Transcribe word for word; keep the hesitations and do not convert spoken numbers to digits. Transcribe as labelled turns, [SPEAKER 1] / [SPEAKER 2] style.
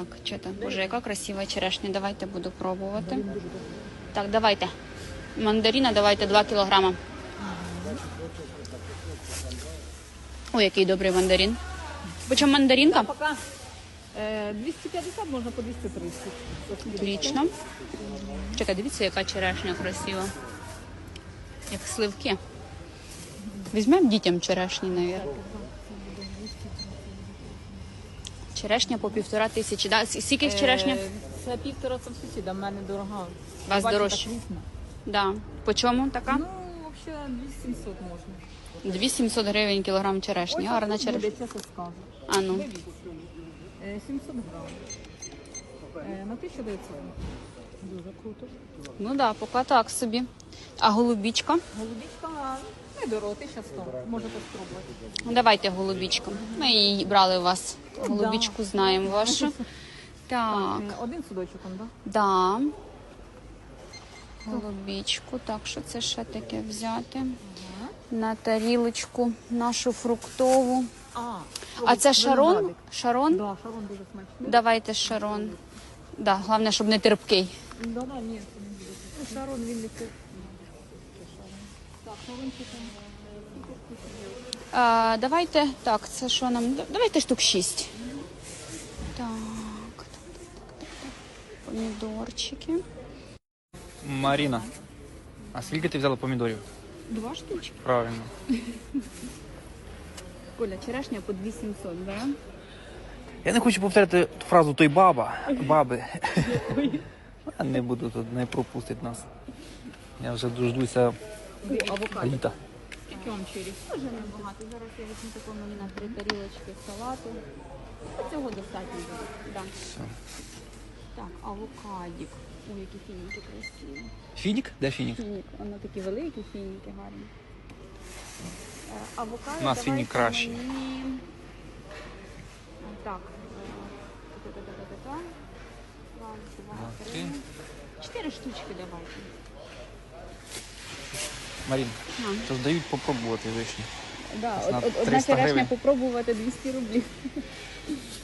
[SPEAKER 1] Так, що там? Боже, яка красива черешня. Давайте буду пробувати. Так, давайте. Мандарина давайте два кілограма. Ой, який добрий мандарин. Почем мандаринка?
[SPEAKER 2] Пока е, двісті п'ятдесят, можна по двісті тридцять.
[SPEAKER 1] Отлично. Чекай, дивіться, яка черешня красива. Як сливки. Візьмемо дітям черешні, навіть. Черешня по півтора тисячі. Да? Скільки їх черешня?
[SPEAKER 2] Е, Це півтора це сусіда, в мене дорога.
[SPEAKER 1] У вас
[SPEAKER 2] Бачите,
[SPEAKER 1] дорожче?
[SPEAKER 2] так різно.
[SPEAKER 1] Да. По чому така?
[SPEAKER 2] Ну, взагалі, двісті сімсот можна.
[SPEAKER 1] дві сімсот гривень кілограм черешні. Гарна
[SPEAKER 2] Ось
[SPEAKER 1] черешня.
[SPEAKER 2] буде, чесно скажу.
[SPEAKER 1] А ну.
[SPEAKER 2] Е, сімсот грам. Е, на тисячу дев'ятсот. Дуже круто.
[SPEAKER 1] Ну так, да, поки так собі. А голубічка?
[SPEAKER 2] Голубічка недорого, тисяча сто. Можете спробувати.
[SPEAKER 1] Давайте голубічку. Ми її брали у вас. Голубічку знаємо вашу. Так,
[SPEAKER 2] Е, Один судочок, он, да?
[SPEAKER 1] да. Голубічку. Так, що це ще таке взяти? На тарілочку нашу фруктову.
[SPEAKER 2] А,
[SPEAKER 1] А це шарон?
[SPEAKER 2] виноградик.
[SPEAKER 1] Шарон?
[SPEAKER 2] Да, шарон дуже смачний.
[SPEAKER 1] Давайте шарон. Да, головне, щоб не терпкий.
[SPEAKER 2] Да, да, ні, це не буде. Ну, шарон він не це. Так, шарончик.
[SPEAKER 1] А, давайте, так, це що нам? Давайте штук шість. Так, так, так, так, так. Помідорчики.
[SPEAKER 3] Маріна, а скільки ти взяла помідорів?
[SPEAKER 1] Два штучки.
[SPEAKER 3] Правильно.
[SPEAKER 1] Коля, черешня по дві сімсот, да?
[SPEAKER 3] Я не хочу повторяти ту фразу той баба, баби. Я не буду тут, не пропустить нас. Я вже дождуся
[SPEAKER 2] Авокадо.
[SPEAKER 3] літа.
[SPEAKER 2] Скільки вам чирі?
[SPEAKER 1] Дуже небагато. Зараз я візьму такому на три тарілочки салату. Цього достатньо буде. Да.
[SPEAKER 3] Все.
[SPEAKER 1] Так, авокадік. Ой, які фініки красиві.
[SPEAKER 3] Фінік? Де фінік?
[SPEAKER 1] Фінік, воно такі великі фініки гарні. Е, Авокадо
[SPEAKER 3] У нас
[SPEAKER 1] давайте
[SPEAKER 3] фінік кращий.
[SPEAKER 1] мені... Так. е, та-та-та-та-та-та. Раз, два,
[SPEAKER 3] Два,
[SPEAKER 1] три.
[SPEAKER 3] три.
[SPEAKER 1] Чотири штучки давайте.
[SPEAKER 3] Марін,
[SPEAKER 1] А.
[SPEAKER 3] то дають попробувати вишні.
[SPEAKER 1] Да,
[SPEAKER 3] На
[SPEAKER 1] од- од- одна
[SPEAKER 3] триста
[SPEAKER 1] черешня
[SPEAKER 3] гривень.
[SPEAKER 1] попробувати двісті рублів.